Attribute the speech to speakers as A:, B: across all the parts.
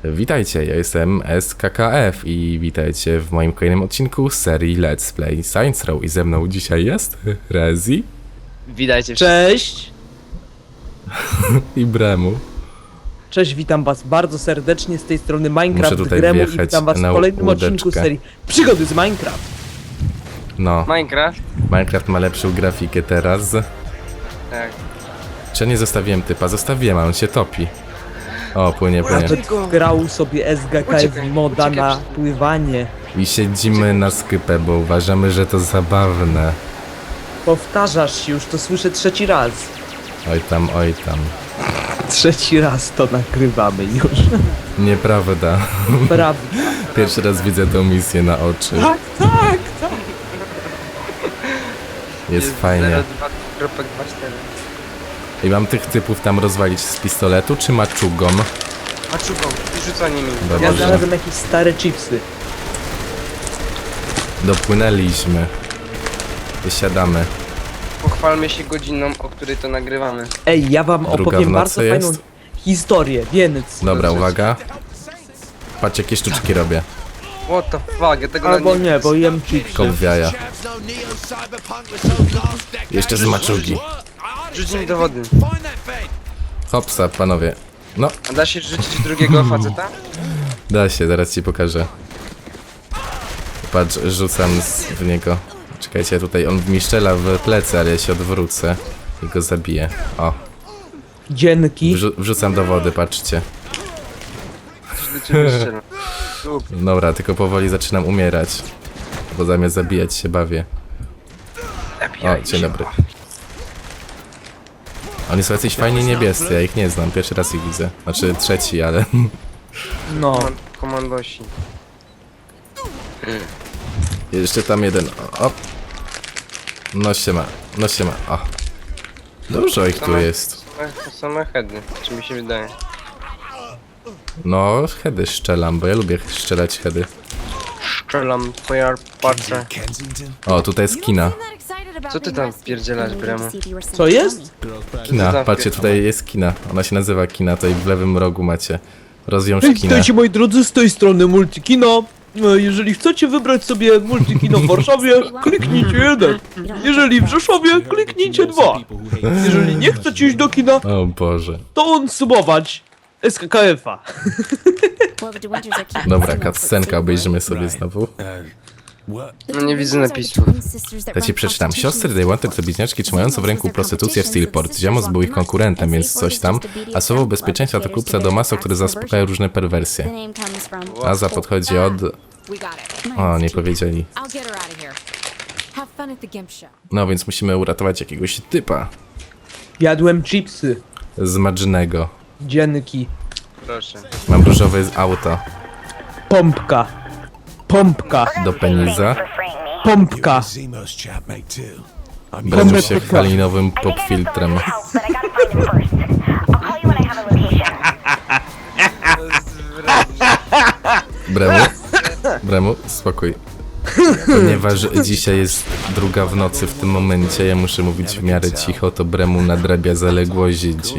A: Witajcie, ja jestem SKKF i witajcie w moim kolejnym odcinku serii Let's Play Saints Row i ze mną dzisiaj jest Rezi
B: Witajcie
C: Cześć!
A: i Bremu.
C: Cześć, witam was bardzo serdecznie z tej strony Minecraft
A: Muszę tutaj
C: Gremu i
A: wjechać
C: witam was w
A: na
C: kolejnym
A: łódeczkę.
C: odcinku serii Przygody z Minecraft.
A: No,
B: Minecraft?
A: Minecraft ma lepszą grafikę teraz.
B: Tak.
A: Czy nie zostawiłem typa? Zostawiłem, a on się topi. O, płynie.
C: Grał sobie SGKF
B: Uciekaj,
C: moda
B: uciekaj.
C: na pływanie.
A: I siedzimy na skypę, bo uważamy, że to zabawne.
C: Powtarzasz się już, to słyszę trzeci raz.
A: Oj tam.
C: Trzeci raz to nagrywamy już.
A: Nieprawda.
C: Prawda.
A: Pierwszy raz widzę tą misję na oczy.
C: Tak.
A: Jest fajnie.
B: 02.24.
A: I mam tych typów tam rozwalić z pistoletu, czy maczugą?
B: Maczugą i rzucanie mi.
A: Dobra.
C: Ja
A: Dobrze.
C: znalazłem jakieś stare chipsy.
A: Dopłynęliśmy. Wysiadamy.
B: Pochwalmy się godziną, o której to nagrywamy.
C: Ej, ja wam
A: Druga
C: opowiem
A: w
C: bardzo
A: nocy
C: fajną
A: jest?
C: historię, więc...
A: Dobra, uwaga. Patrz, jakie sztuczki robię.
B: What the fuck, ja tego
C: Albo
B: nawet
C: nie, bo jem chipsy.
A: Kop w jaja. Jeszcze z maczugi.
B: Rzuć mi do wody.
A: Hopsa, panowie. No,
B: A da się rzucić drugiego faceta?
A: da się, zaraz ci pokażę. Patrz, rzucam w niego. Czekajcie, tutaj on mi strzela w plecy, ale ja się odwrócę i go zabiję. O,
C: Dzięki.
A: wrzucam do wody, patrzcie.
B: Coś do ciebie strzelam.
A: Dobra, tylko powoli zaczynam umierać. Bo zamiast zabijać się bawię. O, dzień dobry. Oni są jacyś fajnie niebiescy, ja ich nie znam, pierwszy raz ich widzę. Znaczy trzeci, ale...
C: No.
B: Komandosi.
A: Jeszcze tam jeden, o. No siema, o. Dużo ich tu jest.
B: To same heady, czy mi się wydaje.
A: No, heady szczelam, bo ja lubię strzelać heady.
B: Strzelam, twoja patrzę.
A: O, tutaj jest kina.
B: Co ty tam pierdzielasz, Bremu?
C: Co jest?
A: Kina, patrzcie, tutaj jest kina. Ona się nazywa kina, tutaj w lewym rogu macie. Rozwiąż
C: Hej,
A: kina.
C: witajcie moi drodzy, z tej strony Multikino. Jeżeli chcecie wybrać sobie Multikino w Warszawie, kliknijcie 1. Jeżeli w Rzeszowie, kliknijcie 2. Jeżeli nie chcecie iść do kina,
A: O Boże.
C: to subować SKKF-a.
A: Dobra, cutscenka, obejrzymy sobie znowu.
B: No nie widzę napisów.
A: Ja ci przeczytam. Siostry They Wanted to bliźniaczki trzymające w ręku prostytucję w Steelport. Ziamos był ich konkurentem, więc coś tam. A słowo bezpieczeństwa to klub sadomaso, który zaspokaja różne perwersje. Aza podchodzi od... O, nie powiedzieli. No więc musimy uratować jakiegoś typa.
C: Jadłem chipsy.
A: Z Madżynego.
C: Dzięki.
B: Proszę.
A: Mam różowe auto.
C: Pompka. Pompka.
A: Do peniza.
C: Pompka.
A: Bręcz się chwali nowym popfiltrem. Bremu, spokój. Ponieważ dzisiaj jest 2 w nocy w tym momencie, ja muszę mówić w miarę cicho, to Bremu nadrabia zaległości.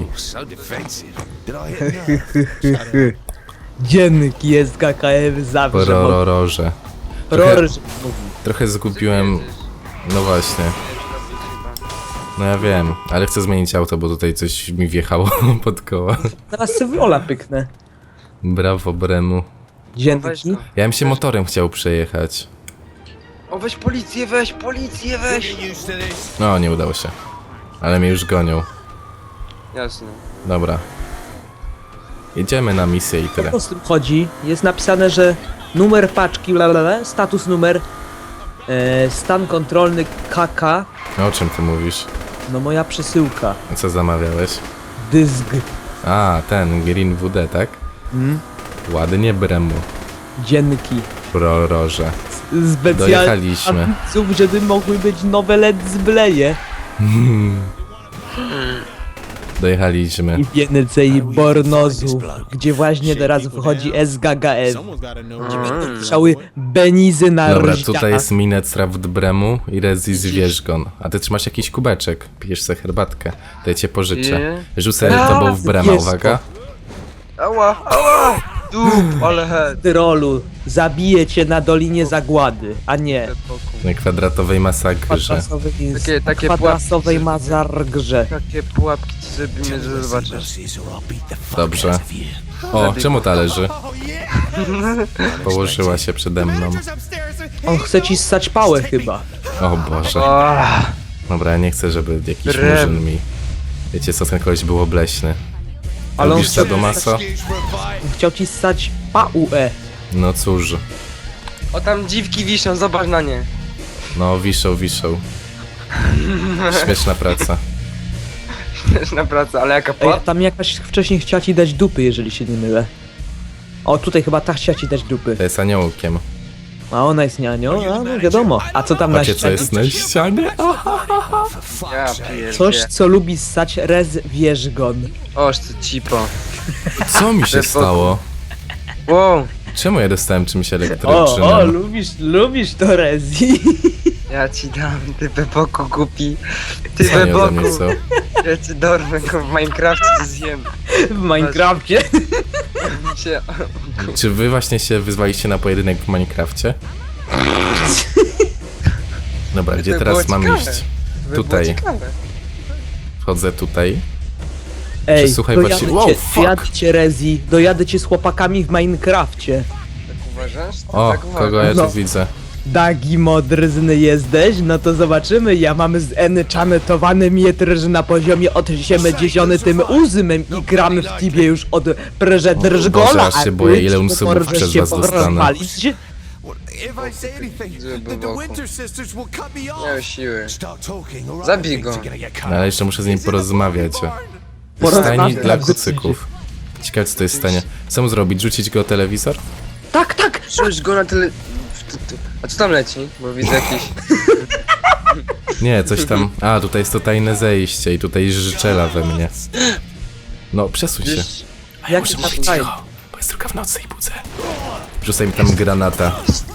C: Dzięki SKKF zawsze.
A: Porororze.
C: Ror.
A: Trochę zgubiłem... No właśnie. No ja wiem, ale chcę zmienić auto, bo tutaj coś mi wjechało pod koła.
C: Teraz sobie Ola pyknę.
A: Brawo, Bremu.
B: Weź
C: Dzięki.
B: go.
A: Ja bym się motorem chciał przejechać.
B: O, weź policję, weź!
A: No, nie udało się. Ale mnie już gonią.
B: Jasne.
A: Dobra. Jedziemy na misję i tyle.
C: O z tym chodzi? Jest napisane, że numer paczki, status numer, stan kontrolny KK,
A: O czym ty mówisz?
C: no moja przesyłka,
A: Co zamawiałeś?
C: dysk.
A: A, ten Green WD, tak? Ładnie, Bremu.
C: Dzięki.
A: Proroże.
C: Specjalnie
A: Dojechaliśmy.
C: ambicjów, żeby mogły być nowe Let's Play'e.
A: Dojechaliśmy.
C: I więcej Bornozu, gdzie właśnie teraz wchodzi SGKF. Strzały Benizy na
A: Dobra,
C: rożniach.
A: tutaj jest Minecraft Bremu i Rezi Zwierzgon. A ty trzymasz jakiś kubeczek. Pijesz sobie herbatkę. To ja cię pożyczę.
B: Nie.
A: Rzucę tobą w Brema,
C: jest to.
A: uwaga.
B: Ała! Dup, ale head.
C: Tyrolu, zabiję cię na Dolinie Zagłady, a nie
A: Na kwadratowej masakrze.
B: Takie
C: kwadrasowej
B: pułapki,
C: mazargrze.
B: Takie pułapki ci zrobimy, że zobaczysz.
A: Dobrze. O, czemu ta leży? Położyła się przede mną.
C: On chce ci ssać pałę chyba.
A: O Boże.
B: Ah,
A: Dobra, ja nie chcę, żeby jakiś
B: Drem.
A: murzyn mi... Wiecie co, ten koleś był obleśny.
C: Ale on
A: Lubisz
C: chciał,
A: Sadomaso?
C: on chciał ci ssać pałę.
A: No cóż.
B: o tam dziwki wiszą, zobacz na nie.
A: No, wiszą. Śmieszna praca.
B: Na pracę, ale jaka
C: Ej,
B: pułapka?
C: tam jakaś wcześniej chciała ci dać dupy, jeżeli się nie mylę. O, tutaj chyba ta chciała ci dać dupy.
A: To jest aniołkiem.
C: A ona jest nianią? A, no wiadomo. A co tam na
A: Patrzcie, co
C: ścianie?
A: jest na ścianie?
B: Ja pierdzie.
C: Coś, co lubi ssać Rez Wierzgon.
B: Oż ty cipo.
A: Co mi się stało?
B: Wow,
A: Czemu ja dostałem czymś
C: O,
A: elektrycznym?
C: lubisz to Rezi.
B: ja ci dam, ty Beboku głupi. Ty
A: Co nie ode mnie
B: Beboku,
A: co?
B: ja ci dorwę go w Minecrafcie, cię zjem.
C: W Minecrafcie.
B: Cię-
A: Czy wy właśnie się wyzwaliście na pojedynek w Minecrafcie? Dobra, gdzie
B: To
A: teraz
B: było
A: mam
B: ciekawe.
A: iść?
B: To by było
A: Tutaj.
B: ciekawe.
A: Wchodzę tutaj.
C: Ej,
A: Słuchaj,
C: dojadę
A: właściwie- wow,
C: cię,
A: fuck.
C: dojadę cię Rezi. Dojadę cię z chłopakami w Minecrafcie.
B: Tak uważasz?
A: O,
B: tak uważam.
A: kogo ja
C: No.
A: tu widzę?
C: Dagi modrzny jesteś? No to zobaczymy. Ja mam zenchanetowany mietr na poziomie od 78 i gram w tibie już od
A: Boże,
C: preżedrżgola.
A: aż się boję, ile unsubów przez was dostanę.
D: If I say anything, the Winter Sisters will cut me off.
B: Miał siły.
D: Stop talking, or
B: Zabij go.
D: things are gonna get
A: No, ale jeszcze muszę z nim porozmawiać. Stajni dla kucyków. Ciekawe co to jest stanie. Co mu zrobić? Rzucić go o telewizor?
C: Tak, tak!
B: Rzuć go na tyle... A co tam leci? Bo widzę jakiś...
A: Nie, coś tam... A, tutaj jest to tajne zejście i tutaj życzela we mnie. No, przesuń się.
B: Gdzieś...
C: Jak
A: Muszę
C: to
A: mówić
C: fajnie.
A: cicho, bo jest druga w nocy i budzę. Wrzucaj mi tam granata.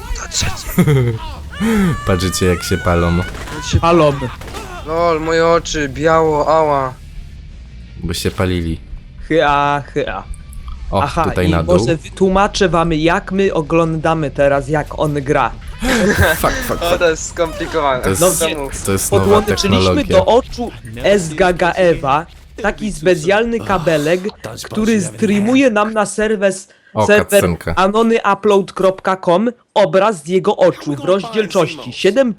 A: Patrzycie jak się palą.
C: Palom.
B: Lol, moje oczy, biało, ała.
A: Bo się palili.
C: Hya.
A: O,
C: Aha,
A: tutaj
C: i
A: na dół.
C: może wytłumaczę wam, jak my oglądamy teraz, jak on gra.
A: Fuck.
B: O, to jest skomplikowane.
A: To jest,
C: No
A: to jest nowa
C: Podłączyliśmy
A: technologia.
C: do oczu Esgagaewa taki specjalny kabelek, który streamuje nam na serwer
A: cutscenka.
C: anonyupload.com obraz z jego oczu w rozdzielczości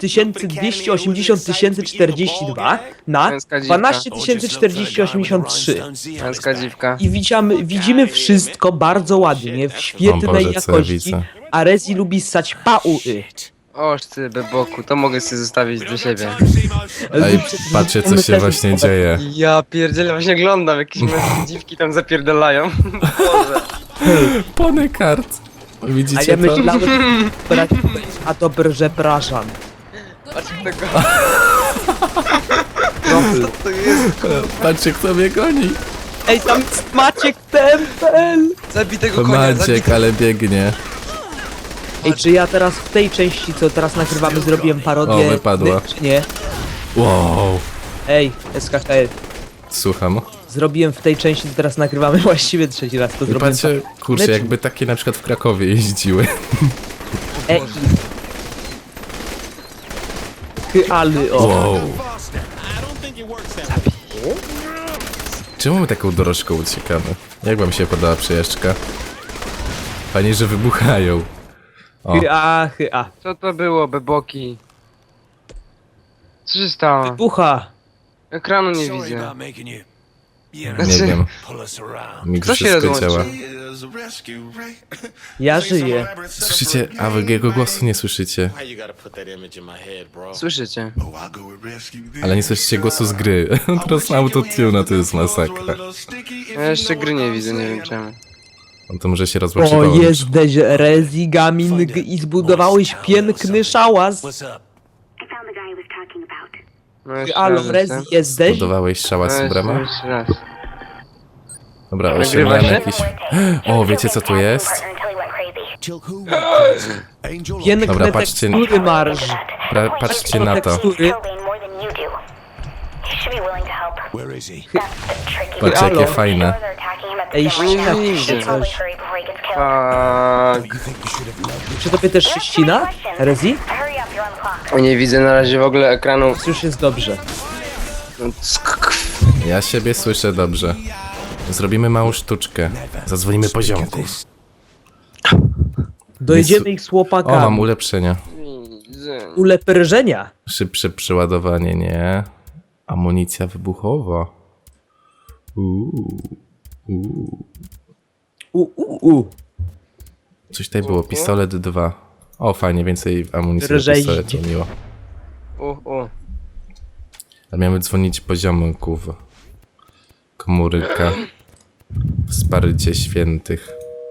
C: 7280 na
B: Męska dziwka.
C: 1204083
B: Męska dziwka.
C: i widzimy wszystko bardzo ładnie, w świetnej
A: O Boże, co ja
C: jakości,
A: widzę.
C: a Rezi lubi ssać pauy.
B: Oż ty, Beboku, to mogę sobie zostawić do siebie.
A: Ej, patrzcie co się właśnie dzieje.
B: Ja pierdzielę, właśnie oglądam, jakieś męskie dziwki tam zapierdalają. Boże.
A: Pony kart.
C: A
A: Widzicie
C: ja
A: to?
C: myślałem, a dobrze, przepraszam.
B: Patrz tego.
C: Profil.
B: To jest...
A: Patrzcie kto mnie goni.
C: Ej, tam jest Maciek Tempel!
B: Zabij tego
A: To
B: konia, zabij
A: Maciek, ale biegnie.
C: Ej, czy ja teraz w tej części, co teraz nagrywamy, zrobiłem parodię?
A: O, wypadła.
C: Czy nie?
A: Wow.
C: Ej, SKKF.
A: Słucham.
C: Zrobiłem w tej części, co teraz nagrywamy, właściwie trzeci raz to
A: I
C: zrobiłem.
A: patrzcie, kurczę, jakby takie na przykład w Krakowie jeździły.
C: Ej. Ale o.
A: Wow. Czemu my taką dorożką uciekamy? Jak wam się podoba przejażdżka? Fajnie, że wybuchają. O,
C: Hya.
B: Co to było, Beboki? Co się stało?
C: Bucha.
B: Ekranu nie
D: Sorry
B: widzę.
D: about making you,
A: nie wiem.
D: pull us around.
A: Mi
B: Kto się
A: wszystko
B: rozłączył?
A: działa.
C: Ja żyję.
A: Słyszycie? A wy jego głosu nie słyszycie.
B: Słyszycie?
A: Ale nie słyszycie głosu z gry. Teraz na autotune, to jest masakra.
B: Ja jeszcze gry nie widzę, nie wiem czemu.
A: No to może się
C: O,
A: rozłączyło.
C: jesteś Rezi Gaming i zbudowałeś piękny szałas.
D: What's up?
E: I found the guy I was talking about.
B: No jeszcze
C: Alo,
B: raz,
C: Rezi
B: chcę.
C: jesteś?
A: Budowałeś szałas
B: No,
A: w bramę?
B: jeszcze raz.
A: Dobra,
B: Nagrywa
A: osiągnąłem
B: się?
A: jakiś... O, wiecie co tu jest?
E: Until he went crazy.
D: Till who went crazy? Angel or
C: Piękne
A: Dobra, patrzcie-
C: tekstury, Marsz.
A: Patrzcie na to.
C: Tekstury.
E: Killbane more than you do. He should be willing to help.
D: where is he?
E: That's the tricky
A: Patrzcie, jakie
C: Halo.
A: fajne.
E: They're attacking him at the
C: Ej,
E: center.
B: Nie
C: ścina
B: widzę.
E: Should probably
C: coś.
E: hurry before he gets killed.
B: Fuck.
C: Czy tobie też się ścina? Rezi?
E: Hurry up, you're on the clock.
B: Nie widzę na razie w ogóle ekranu.
C: Już jest dobrze.
A: Ja siebie słyszę dobrze. Zrobimy małą sztuczkę. Zadzwonimy poziomków.
C: Dojedziemy ich z
A: O, mam
C: chłopakami.
A: ulepszenia.
B: Widzę.
C: Uleprżenia.
A: Szybsze przeładowanie, nie? Amunicja wybuchowa. Coś tutaj było, pistolet 2. O, fajnie, więcej amunicji do
C: Drżej.
A: pistoletu, miło. A miałem dzwonić poziomków. Komórka. Wsparcie świętych.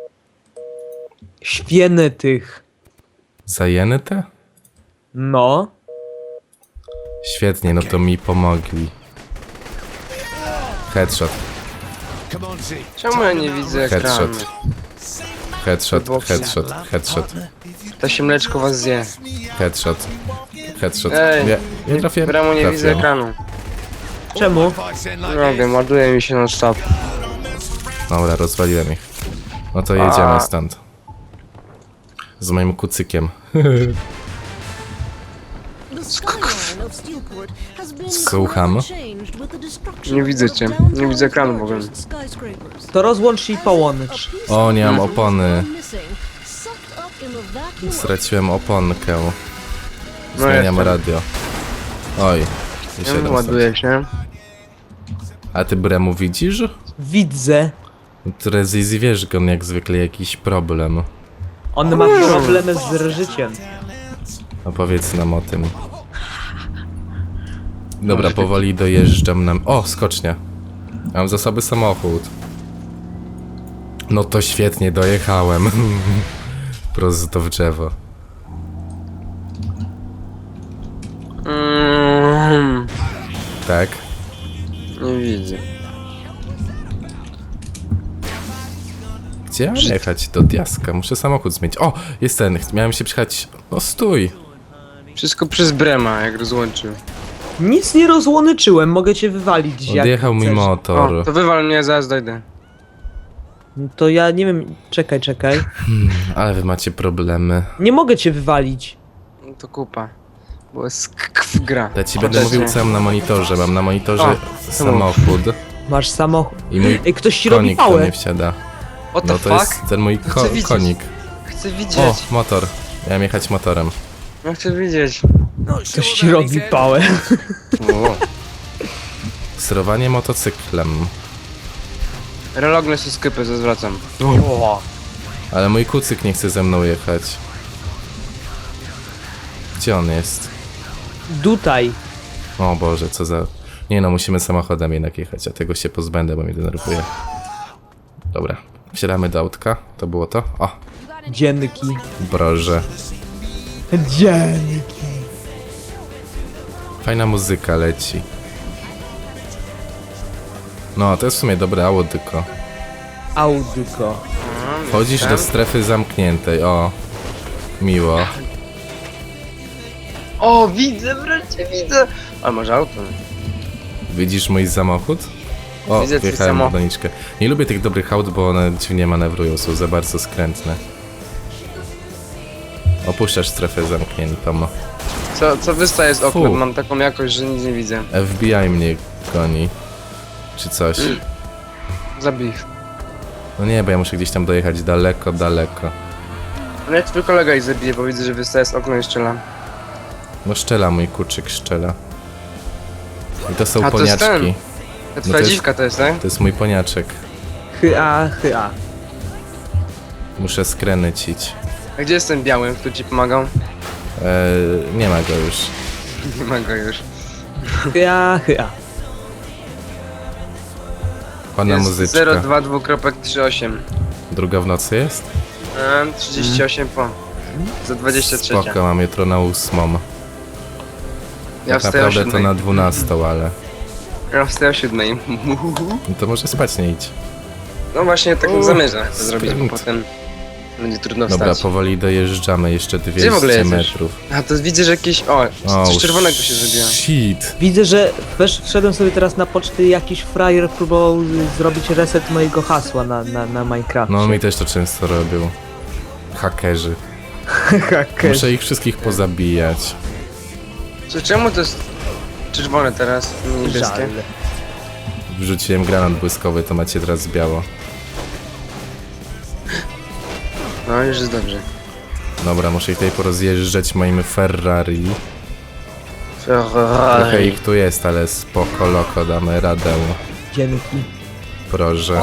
C: Świętych.
A: Zajęte?
C: No.
A: Świetnie, no to mi pomogli. Headshot,
D: Come on, Z.
B: Czemu ja nie widzę ekranu?
A: headshot. Headshot, headshot, headshot,
B: To się mleczko was zje.
A: headshot. Headshot.
B: Ej,
A: Nie trafię.
B: Bramo nie widzę
A: Trafiłem.
B: ekranu.
C: Czemu?
D: If I send like
B: Nie wiem, ładuje mi się non stop.
A: Dobra, rozwaliłem ich. No to jedziemy stąd. Z moim kucykiem. Słucham.
B: Nie widzę cię. Nie widzę ekranu w ogóle.
C: To rozłącz się i połącz.
A: O, nie mam opony. Straciłem oponkę. Zmieniam
B: jestem.
A: radio. Oj. i 700.
B: Ładuje się.
A: A ty Bremu widzisz?
C: Widzę.
A: Trezizi wiesz, że on jak zwykle jakiś problem.
C: On ma problemy z życiem.
A: Opowiedz nam o tym. Dobra, powoli dojeżdżam nam. O, skocznia. Mam za sobą samochód. No to świetnie, dojechałem. Prosto w drzewo. Tak?
B: Nie widzę.
A: Gdzie mam jechać? Do Diaska. Muszę samochód zmienić. O, jest ten. Miałem się przyjechać. No stój.
B: Wszystko przez Brema, jak rozłączył.
C: Nic nie rozłączyłem, mogę cię wywalić. jak
A: Odjechał mi
C: chcesz.
A: motor.
B: O, to wywal mnie, zaraz dojdę.
C: To ja nie wiem, czekaj.
A: Ale wy macie problemy.
C: Nie mogę cię wywalić.
B: No to kupa. Bo jest gra.
A: Ja ci będę mówił co mam na monitorze. Mam na monitorze
B: O,
A: samochód
C: Masz samochód.
A: i mój
C: Ej, ktoś ci robi
A: konik do
C: pałę.
A: mnie wsiada.
B: What the
A: No to
B: fuck?
A: jest ten mój
B: Chcę widzieć.
A: konik.
B: Chcę
A: O,
B: widzieć.
A: motor. Miałem jechać motorem.
B: Ja chcę widzieć.
C: Ktoś ci robi pałę.
B: O.
A: Sterowanie motocyklem.
B: Relogne są sklepy, zwracam.
A: Ale mój kucyk nie chce ze mną jechać. Gdzie on jest?
C: Tutaj.
A: O Boże, co za... Nie no, musimy samochodem jednak jechać, a tego się pozbędę, bo mnie denerwuje. Dobra, wsiadamy do autka. To było to? O,
C: Dzienki.
A: broże.
C: Dzienki.
A: Fajna muzyka leci. No, to jest w sumie dobre audyko.
C: Audyko.
A: Wchodzisz do strefy zamkniętej, o. Miło.
B: O, widzę, wreszcie widzę. Ale może auto.
A: Widzisz mój samochód? O,
B: Widzę twój
A: wjechałem w
B: samochód.
A: doniczkę. Nie lubię tych dobrych aut, bo one dziwnie manewrują, są za bardzo skrętne. Opuszczasz strefę zamkniętą.
B: Co wystaje z okna?
A: Fu.
B: Mam taką jakość, że nic nie widzę.
A: FBI mnie goni. Czy coś.
B: Zabij ich.
A: No nie, bo ja muszę gdzieś tam dojechać daleko, daleko.
B: No jak twój kolega ich zabije, bo widzę, że wystaje z okna i strzela.
A: No szczela, mój kuczyk szczela. I to są
B: A, to jest
A: poniaczki.
B: Ta
A: to
B: twoja
A: jest-
B: dziwka to jest, tak?
A: To jest mój poniaczek.
C: Hya.
A: Muszę skręcić.
B: A gdzie jest ten biały, który ci pomagał?
A: Nie ma go już.
B: Nie ma go już.
C: Hya.
A: Pana
B: Jest
A: muzyczka.
B: 022.38.
A: Druga w nocy jest?
B: 38 po. Za 23.
A: Spoko, mam jutro na 8.
B: Ja
A: Tak
B: wstaję o
A: naprawdę to
B: 7.
A: na 12, ale...
B: Ja wstaję o 7.
A: No to może spać nie idź.
B: No właśnie tak zamierzam to zrobić, bo
A: skręt.
B: potem Będzie trudno
A: Dobra,
B: wstać.
A: powoli dojeżdżamy, jeszcze
B: Gdzie w ogóle
A: 200
B: jesteś?
A: metrów.
B: A to widzę, że jakieś... O, coś czerwonego się zrobiło.
A: Shit.
C: Widzę, że wszedłem sobie teraz na poczty, jakiś frajer próbował zrobić reset mojego hasła na Minecraft.
A: No mi też to często robią. Hakerzy. Muszę ich wszystkich pozabijać.
B: Czemu to jest czerwone teraz, niebieskie?
C: Żal.
A: Wrzuciłem granat błyskowy, to macie teraz biało.
B: No, już jest dobrze.
A: Dobra, muszę ich tutaj porozjeżdżać moim Ferrari. Trochę ich tu jest, ale spoko, loko, damy radę.
C: Dzięki.
A: Proszę.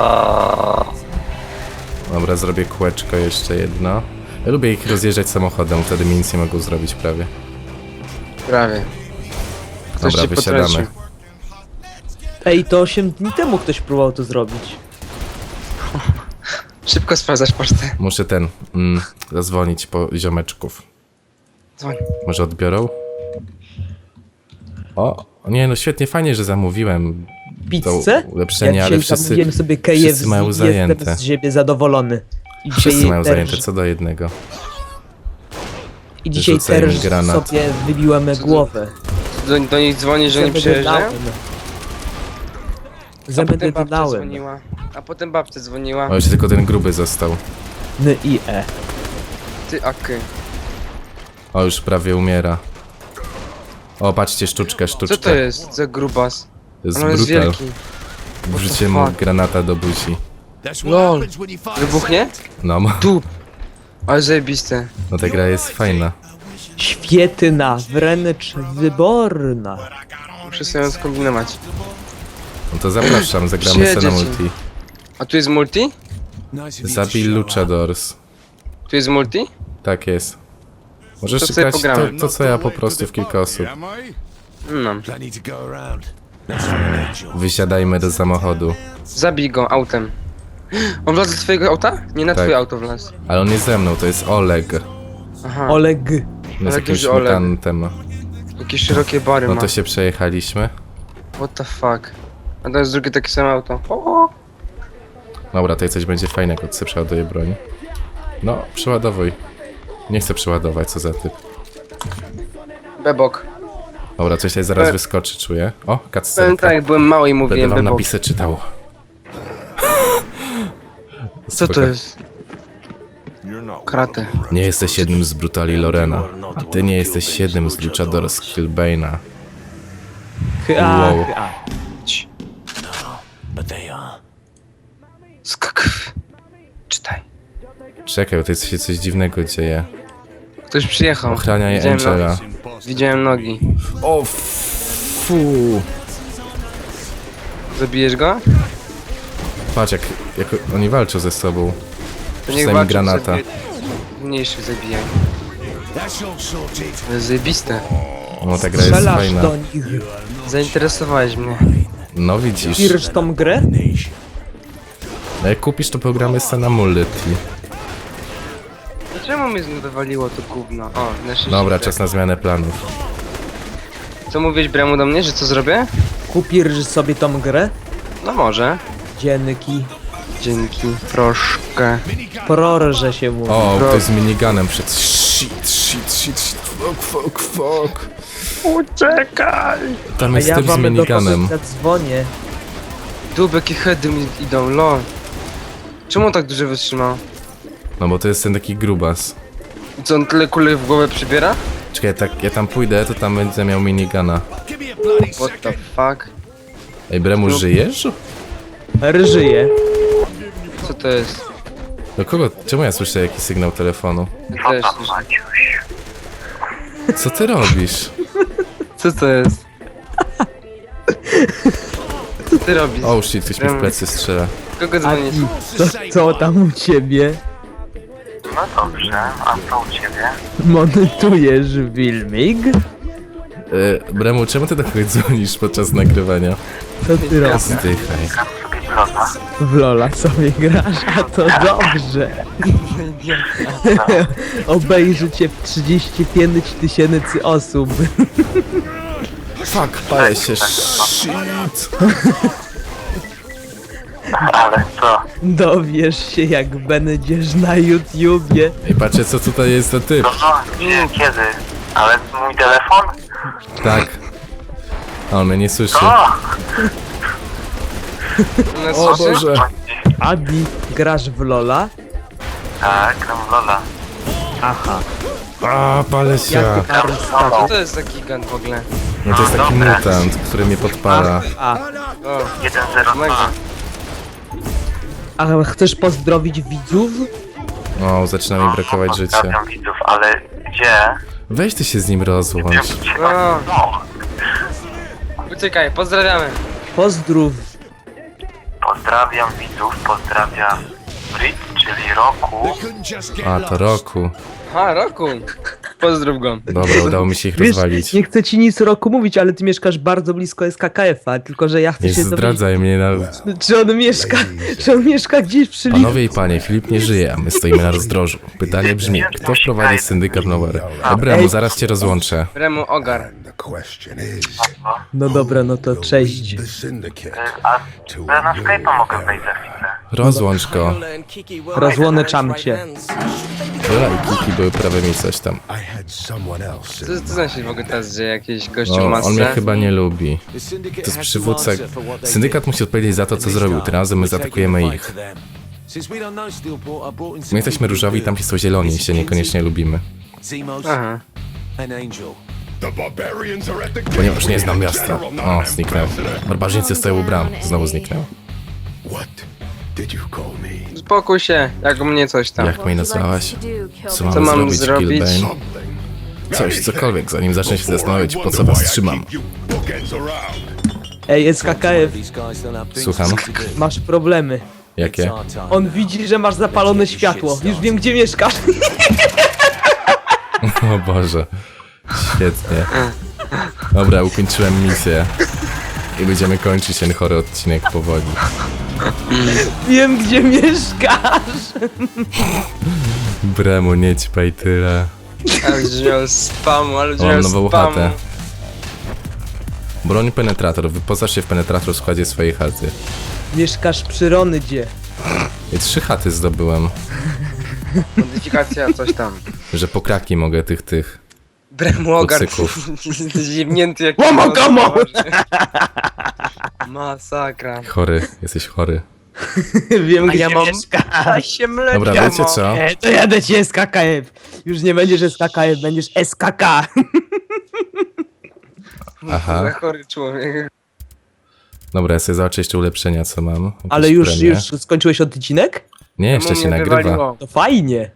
A: Dobra, zrobię kółeczko jeszcze jedno. Ja lubię ich rozjeżdżać samochodem, wtedy mi nic nie mogą zrobić prawie.
B: Prawie. Ktoś
A: Dobra,
B: cię
A: wysiadamy.
B: potrącił.
C: Ej, to 8 dni temu ktoś próbował to zrobić.
B: Szybko sprawdzasz pocztę.
A: Muszę zadzwonić po ziomeczków.
B: Dzwoń.
A: Może odbiorą? O, nie no świetnie, fajnie, że zamówiłem
C: Pizzę?
A: to ulepszenie,
C: Ja
A: ale
C: dzisiaj zamówiłem sobie KFC
A: wszyscy mają
C: i
A: zajęte.
C: jestem z siebie zadowolony. I
A: Wszyscy mają
C: też-
A: zajęte co do jednego.
C: I dzisiaj
A: Rzucaj mi
C: też
A: granat.
C: sobie wybiłem głowę.
B: Do nich dzwoni, że oni przyjeżdżają? A
C: Zęby
B: potem babcia
C: dodałem.
B: dzwoniła. A potem babcia dzwoniła.
A: O, jeszcze tylko ten gruby został.
C: N i e.
B: Ty, aky.
A: O, już prawie umiera. O, patrzcie, sztuczkę.
B: Co to jest za grubas?
A: To jest
B: On jest
A: brutal.
B: wielki.
A: Wrzuciłem mu
B: fuck?
A: granata do buzi.
D: That's what
B: Lol.
D: happens when you find
B: Wybuchnie?
A: No,
B: Tu. Ale zajebiste.
A: no ta gra jest fajna.
C: Świetna, wręcz wyborna.
B: Muszę sobie ją skombinować.
A: No to zapraszam, zagramy sobie na
B: Przyjedzie ci.
A: multi.
B: A tu jest multi?
D: Nice of you to
A: Zabij
D: show
A: Luchadors.
B: Tu jest multi?
A: Tak jest. Możesz
B: To sobie
A: grać
B: pogramy.
A: to co ja po prostu w kilka osób.
B: No.
D: Plenty to go around. That's what I need, Joe.
A: Wysiadajmy do samochodu.
B: Zabij go autem. On wlazł do twojego auta? Nie na
A: Tak.
B: twoje auto wlazł.
A: Ale on jest ze mną, to jest Oleg.
B: Aha.
C: Oleg.
A: On jest
B: Ale
A: jakimś
B: duży Oleg.
A: mutantem.
B: Jakie szerokie bary
A: No
B: ma.
A: to się przejechaliśmy.
B: What the fuck. A to jest drugie takie samo auto. O!
A: Dobra, tutaj coś będzie fajnego, jak sobie przeładuję broń. No, przeładowuj. Nie chcę przeładować, co za typ.
B: Bebok.
A: Dobra, coś tutaj zaraz
B: E.
A: wyskoczy, czuję. O,
B: Powiem
A: cutscenka.
B: tak, jak byłem mały i
A: Będę
B: mówiłem
A: wam
B: bebok.
A: napisy czytał.
B: Co to
A: Spoko.
B: jest? Kratę.
A: Nie jesteś jednym z brutali Lorena. A ty nie jesteś jednym z Luchadors Killbane'a. Wow.
D: But they are.
B: Czytaj.
A: Czekaj, tutaj się coś dziwnego dzieje.
B: Ktoś przyjechał.
A: Ochraniaj
B: Widziałem
A: Angela.
B: Widziałem nogi.
A: O, fu.
B: Zabijesz go?
A: Patrz, jak oni walczą ze sobą.
B: To
A: Rzucaj mi
B: walczą
A: granata.
B: sobie. Mniejszych zabijaj.
D: That's all sorted.
B: To jest zajebiste.
A: No, ta gra jest
C: Strzelasz
A: fajna.
C: do nich.
B: Zainteresowałeś mnie.
A: No widzisz.
C: Pirsz tą grę?
A: No jak kupisz, to programy sobie na multi.
B: Dlaczego mnie znów wywaliło to gówno? O, na szczęście.
A: Dobra,
B: tak.
A: czas na zmianę planów.
B: Co mówiłeś Bremu do mnie, że co zrobię?
C: Kupisz sobie tą grę?
B: No może.
C: Dzięki.
B: Dzięki. Troszkę.
C: Proszę się mówi.
A: O, ktoś z miniganem przed. Shit. Fuck.
B: Uciekaj!
A: Tam
C: A
A: jest
C: ja
A: typ z
C: wam do
A: miniganem.
C: kogoś zadzwonię.
B: Dubek i heady mi idą, lol. Czemu on tak dużo wytrzymał?
A: No bo to jest ten taki grubas.
B: I co, on tyle kulek w głowę przybiera?
A: Czekaj, ja tam pójdę, to tam będę miał minigana.
D: Give me a bloody
B: What the fuck?
A: Ej, Bremu, żyjesz?
C: Ryżyję.
B: Co to jest?
A: Do kogo? Czemu ja słyszę jakiś sygnał telefonu?
B: Ja też.
A: Co ty robisz?
B: Co to jest? Co ty robisz?
A: Oh shit, ktoś mi w plecy strzela.
B: Kogo
C: A
B: dzwonisz?
C: ty, co tam u ciebie?
F: No dobrze, a co u ciebie?
C: Montujesz filmik?
A: Bremu, czemu ty do kogoś dzwonisz podczas nagrywania?
C: Co ty robisz?
A: Zdychaj.
F: Gram sobie brota.
C: W Lola sobie grasz, a to dobrze. Obejrzy cię 35 000 osób.
A: Fuck, palę się, shit.
F: Ale co?
C: Dowiesz się, jak będziesz na YouTubie.
A: I patrzcie, co tutaj jest za typ.
F: No, gdzie, kiedy? Ale mój telefon?
A: Tak. A on mnie nie słyszy.
F: O!
B: Nas
A: O
B: słyszy?
A: Boże.
C: Adi, grasz w Lola?
F: Tak, gram w Lola.
C: Aha.
A: A, palę się.
C: Jaki arystokrat.
B: Co to jest za gigant w ogóle?
A: No to jest taki mutant, który mnie podpala.
C: A,
B: O,
F: 1-0-2.
B: mega.
C: a chcesz pozdrowić widzów?
A: O, zaczyna mi brakować życia.
F: Pozdrawiam widzów, ale gdzie?
A: Weź ty się z nim rozłącz.
B: No,
F: No,
B: uciekaj, pozdrawiamy.
C: Pozdrów.
F: pozdrawiam widzów, pozdrawiam Brit, czyli Roku.
D: Couldn't just get
A: A, to Roku.
B: Ha, Roku. Pozdrów go.
A: Dobra, udało mi się ich
C: Wiesz,
A: rozwalić.
C: nie chcę ci nic Roku mówić, ale ty mieszkasz bardzo blisko SKKF-a, tylko że ja chcę
A: Nie
C: się dowiedzieć,
A: zdradzaj mnie na...
C: czy on mieszka gdzieś przy linie.
A: Panowie i panie, Filip nie żyje, a my stoimy na rozdrożu. Pytanie brzmi, kto wprowadzi syndykat Nowary? Dobra, mu zaraz cię rozłączę.
B: Remu ogar.
D: The question is,
C: No dobra, no to cześć.
D: the syndicate
F: A na Skype'a mogę wejść za chwilę.
A: Rozłącz go.
C: Rozłączam cię.
A: Lola i Kiki były prawymi coś tam.
D: I had someone else
B: Co za się w ogóle teraz dzieje? Jakiś gościu
A: O,
B: masce?
A: on mnie chyba nie lubi. To jest przywódca. Syndykat musi odpowiedzieć za to, co zrobił. Tym razem my zaatakujemy ich. My jesteśmy różowi, tam są zieloni i się niekoniecznie lubimy.
B: Aha.
D: The barbarians are at the
A: Ponieważ nie znam miasta. O, zniknął. Barbarzyńcy stoją u bram. Znowu zniknął.
D: What did you call me?
B: Spokój się, jak u mnie coś tam.
A: Jak mnie nazwałaś? Co
B: Co
A: mam
B: mam
A: zrobić,
B: zrobić?
A: Killbane?
D: Something.
A: Coś, cokolwiek, zanim zacznę się zastanawiać, po co was trzymam.
D: You bookends around.
C: Ej, SKKF,
A: Słucham?
C: masz problemy.
A: Jakie?
C: On widzi, że masz zapalone światło. Już wiem, gdzie mieszkasz.
A: O Boże. Świetnie. Dobra, ukończyłem misję. I będziemy kończyć ten chory odcinek powoli.
C: Wiem, gdzie mieszkasz.
A: Bremu, nie ćpaj tyle.
B: Ale brzmiał spamu, ale
A: Mam
B: brzmiał
A: nową
B: spamu.
A: chatę. Broń penetrator. Wyposaż się w penetrator w składzie swojej chaty.
C: Mieszkasz przy Ronydzie.
A: I 3 chaty zdobyłem.
B: Modyfikacja, coś tam.
A: Że po kraki mogę tych.
B: Bremu ogar.
A: Kucyków.
B: Jesteś jebnięty jak...
C: Łomogamo!
B: Masakra.
A: Chory, jesteś chory.
C: Wiem, gdzie
B: ja mam-
C: mieszkasz.
B: się mleczę.
A: Dobra, wiecie co?
C: To jadę ci SKKF. Już nie będziesz SKKF, będziesz SKK.
A: Aha.
B: Za chory człowiek.
A: Dobra, ja sobie zobaczę jeszcze ulepszenia, co mam. Jakieś
C: Ale już
A: premie.
C: skończyłeś odcinek?
A: Nie, jeszcze
B: Czemu
A: się
B: mnie
A: nagrywa.
B: wywaliło?
C: To fajnie.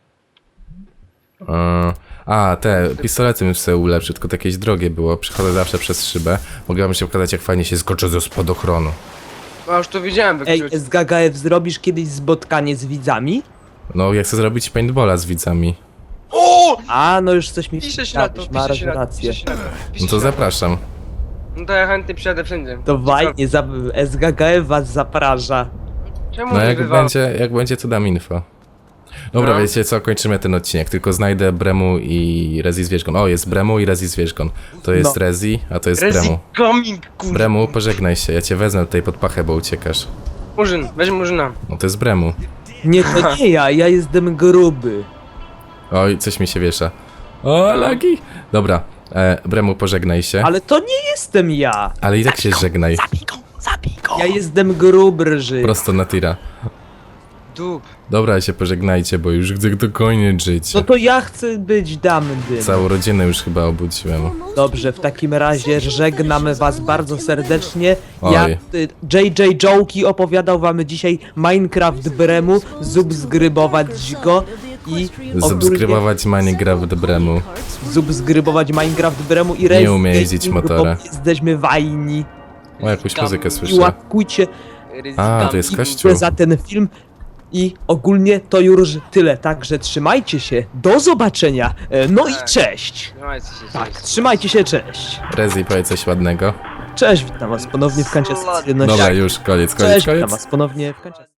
A: A, te pistolety bym sobie ulepszył, tylko to jakieś drogie było. Przechodzę zawsze przez szybę. Mogę wam się pokazać, jak fajnie się skoczy ze spadochronu.
B: A już to widziałem,
C: Ej,
B: wykryć.
C: SKKF, zrobisz kiedyś spotkanie z widzami?
A: No, ja chcę zrobić paintballa z widzami.
B: O!
C: A, no już coś mi
B: Pisze się na to,
C: masz
B: pisze się na to,
C: rację.
B: pisze się na to.
A: No
B: pisze
A: to
B: się na
A: zapraszam.
B: No to ja chętnie przyjadę wszędzie.
C: To fajnie, SKKF was zaprasza.
B: Czemu
A: No
B: nie
A: jak będzie, to dam info. Dobra,
B: No.
A: wiecie co, kończymy ten odcinek, tylko znajdę Bremu i Rezi Zwierzgon. O, jest Bremu i Rezi Zwierzgon. To jest
C: No.
A: Rezi, a to jest
B: Rezi
A: Bremu.
B: coming, kurwa.
A: Bremu, pożegnaj się, ja cię wezmę tutaj pod pachę, bo uciekasz.
B: Murzyn, weź Murzyna.
A: No to jest Bremu.
C: Nie, to nie ja jestem gruby.
A: Oj, coś mi się wiesza. O, lagi! Dobra, Bremu, pożegnaj się.
C: Ale to nie jestem ja.
A: Ale i tak się żegnaj.
C: Ja jestem grubrży.
A: Prosto na tira.
B: Dup.
A: Dobra, się pożegnajcie, bo już chcę dokończyć życie.
C: No to ja chcę być damny.
A: Całą rodzinę już chyba obudziłem.
C: Dobrze, w takim razie żegnamy was bardzo serdecznie. Ja,
A: Oj.
C: JJ Jołki opowiadał wam dzisiaj Minecraft Bremu, subskrybować go i
A: Subskrybować Minecraft Bremu.
C: subskrybować Minecraft Bremu i
A: Nie
C: Race
A: umie jeździć
C: Gaming,
A: motorem.
C: bo Jesteśmy fajni.
A: O, jakąś muzykę
C: I
A: słyszę.
C: łapkujcie
A: A, to jest kościół.
C: za ten film. I ogólnie to już tyle, także trzymajcie się, do zobaczenia, no i
B: Tak.
C: cześć.
B: Trzymajcie się.
C: Tak, trzymajcie się, cześć.
A: Rezi, powiedz coś ładnego.
C: Cześć, witam was ponownie w Kanciastwie.
A: Dobra, już, koniec,
C: Cześć, witam
A: koniec.
C: was ponownie w Kanciastwie.